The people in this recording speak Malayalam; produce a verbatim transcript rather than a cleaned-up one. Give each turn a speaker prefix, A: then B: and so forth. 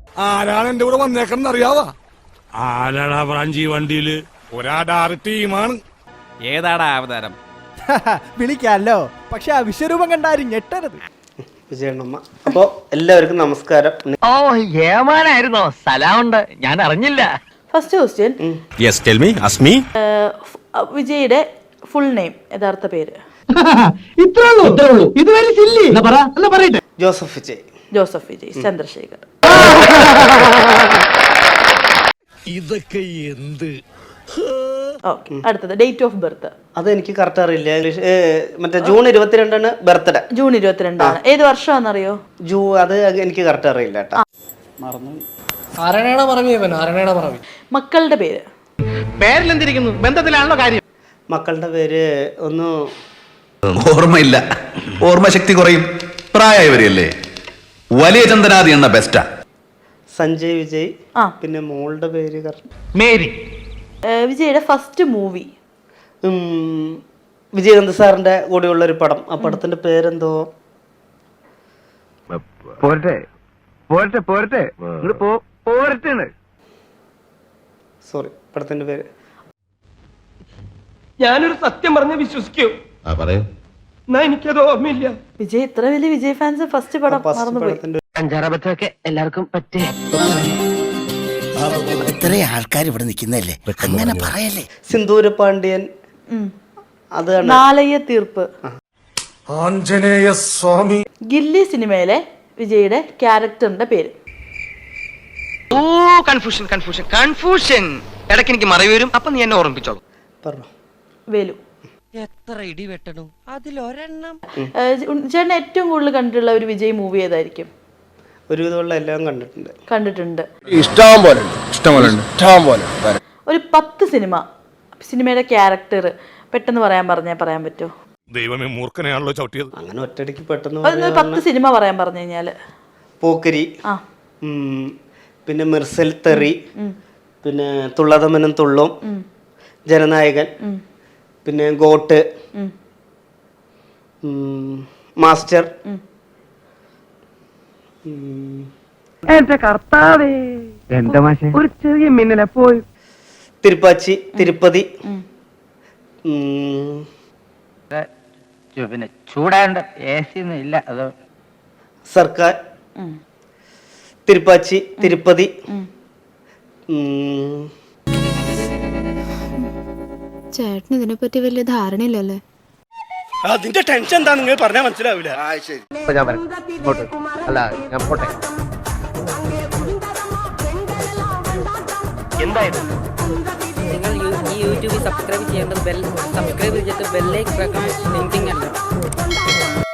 A: ആരാണ് എന്റെ കൂടെ വന്നേക്കെന്ന് അറിയാവാ?
B: ആരാടാ ബ്രാഞ്ചി വണ്ടിയില്?
A: ഒരാടാറ് ടീമാണ്.
C: ഏതാടാ അവതാരം?
D: വിളിക്കാല്ലോ, പക്ഷെ ആ വിശ്വരൂപം കണ്ടാരും ഞെട്ടരുത്.
E: വിജയണ്ണമ്മ. അപ്പോ എല്ലാവർക്കും നമസ്കാരം.
F: ഓ ഏമാനായിരുന്നോ? സ്ഥലമുണ്ട്, ഞാൻ അറിഞ്ഞില്ല.
G: First question,
B: yes tell me Asmi.
G: വിജയുടെ ഫുൾ നെയിം, യഥാർത്ഥ പേര്?
E: ജോസഫ് വിജയ്.
G: ജോസഫ് വിജയ് ചന്ദ്രശേഖർ.
A: ഇതൊക്കെ എന്ത്?
G: ഓക്കെ, അടുത്തത് ഡേറ്റ് ഓഫ് ബർത്ത്.
E: അതെനിക്ക് കറക്റ്റ് അറിയില്ല. ഇംഗ്ലീഷ് മറ്റേ ജൂൺ ഇരുപത്തിരണ്ടാണ് ബർത്ത്ഡേ.
G: ജൂൺ ഇരുപത്തിരണ്ടാണ്. ഏത് വർഷമാണെന്നറിയോ?
E: ജൂ അത് എനിക്ക് കറക്റ്റ് അറിയില്ല കേട്ടോ.
G: മക്കളുടെ പേര്?
F: പേരിലെന്തിരിക്കുന്നു, ബന്ധത്തിലാണല്ലോ കാര്യം.
E: മക്കളുടെ പേര് ഒന്ന്
H: ഓർമ്മയില്ല, ഓർമ്മശക്തി കുറയും, പ്രായമായവരല്ലേ. വലിയ ചന്ദനാദി എന്ന ബെസ്റ്റാ.
E: സഞ്ജയ് വിജയ്.
G: ആ.
E: പിന്നെ മോളുടെ പേര്
F: മേരി.
G: വിജയുടെ ഫസ്റ്റ് മൂവി?
E: വിജയകാന്ത് സാറിന്റെ കൂടെയുള്ള ഒരു പടം. ആ പടത്തിന്റെ പേരെന്തോ?
F: പോരട്ടെ പോരട്ടെ പോരട്ടെ പോരട്ടെ
E: സോറി, പടത്തിന്റെ പേര്.
F: ഞാനൊരു സത്യം പറഞ്ഞ് വിശ്വസിക്കൂ, എന്നാ എനിക്കത് ഓർമ്മയില്ല.
G: വിജയ് ഇത്ര വലിയ വിജയ് ഫാൻസ് ഫസ്റ്റ് പടം മറന്നുപോയി.
F: അഞ്ചാറബത്തൊക്കെ എല്ലാവർക്കും പറ്റേ.
I: ഇത്രയും ആൾക്കാർ ഇവിടെ നിൽക്കുന്നല്ലേ, അങ്ങനെ പറയല്ലേ.
E: സിന്ദൂര പാണ്ഡ്യൻ. അതാണ്
G: നാലയ്യ തീർപ്പ്.
A: ആഞ്ജനേയ സ്വാമി.
G: ഗില്ലി സിനിമയിലെ വിജയുടെ ക്യാരക്ടറിന്റെ പേര്?
F: ഓ കൺഫ്യൂഷൻ കൺഫ്യൂഷൻ കൺഫ്യൂഷൻ ഇടയ്ക്ക് എനിക്ക് മറവി വരും, അപ്പൊ നീ എന്നെ ഓർമ്മിപ്പിച്ചോളൂ.
E: പറഞ്ഞു.
G: വേലു.
F: എത്ര ഇടി വെട്ടണം അതിലൊരെണ്ണം.
G: ചേട്ടൻ ഏറ്റവും കൂടുതൽ കണ്ടിട്ടുള്ള ഒരു വിജയ് മൂവി ഏതായിരിക്കും?
E: ഒരുവിധമുള്ള എല്ലാം കണ്ടിട്ടുണ്ട്.
G: കണ്ടിട്ടുണ്ട്.
A: ഇഷ്ടം പോലെ ഇഷ്ടം പോലെ ഇഷ്ടം പോലെ.
G: ഒരു പത്ത് സിനിമ സിനിമയുടെ ക്യാരക്ടർ പെട്ടെന്ന് പറയാൻ പറഞ്ഞാൽ പറയാൻ പറ്റുമോ?
A: ദൈവമേ, മൂർഖനെയാണല്ലോ ചവിട്ടിയത്.
E: അങ്ങനെ ഒറ്റയടിക്ക് പെട്ടെന്ന്
G: അതൊന്ന് പത്ത് സിനിമ പറയാൻ പറഞ്ഞു കഴിഞ്ഞാല്?
E: പോക്കരി,
G: ആ,
E: പിന്നെ മിർസൽ തെറി, പിന്നെ തുള്ളതമനം തുള്ളും, ജനനായകൻ, പിന്നെ ഗോട്ട്, മാസ്റ്റർ.
F: എന്റെ കർത്താവേ, എന്താ മാഷേ ഒരു ചെറിയ മിന്നലെ പോയി.
E: തിരുപ്പാച്ചി, തിരുപ്പതി.
F: പിന്നെ ചൂടാണ്ട് എ സി ഒന്നും ഇല്ല, അതോ
E: സർക്കാർ, തിരുപ്പാച്ചി, തിരുപ്പതി.
J: ചേട്ടന് ഇതിനെപ്പറ്റി വലിയ ധാരണയില്ലല്ലേ?
E: അതിന്റെ ടെൻഷൻ എന്താ നിങ്ങൾ പറഞ്ഞാൽ മനസ്സിലാവില്ല.
F: ഞാൻ വരാം ഇങ്ങോട്ട്. അല്ല ഞാൻ പോട്ടെ. എന്തായാലും
K: നിങ്ങൾ ഈ യൂട്യൂബിൽ സബ്സ്ക്രൈബ് ചെയ്യേണ്ടത് ബെൽ സബ്സ്ക്രൈബ് ചെയ്തിട്ട് ബെല്ലേക്ക് ലിങ്കിങ് അല്ല.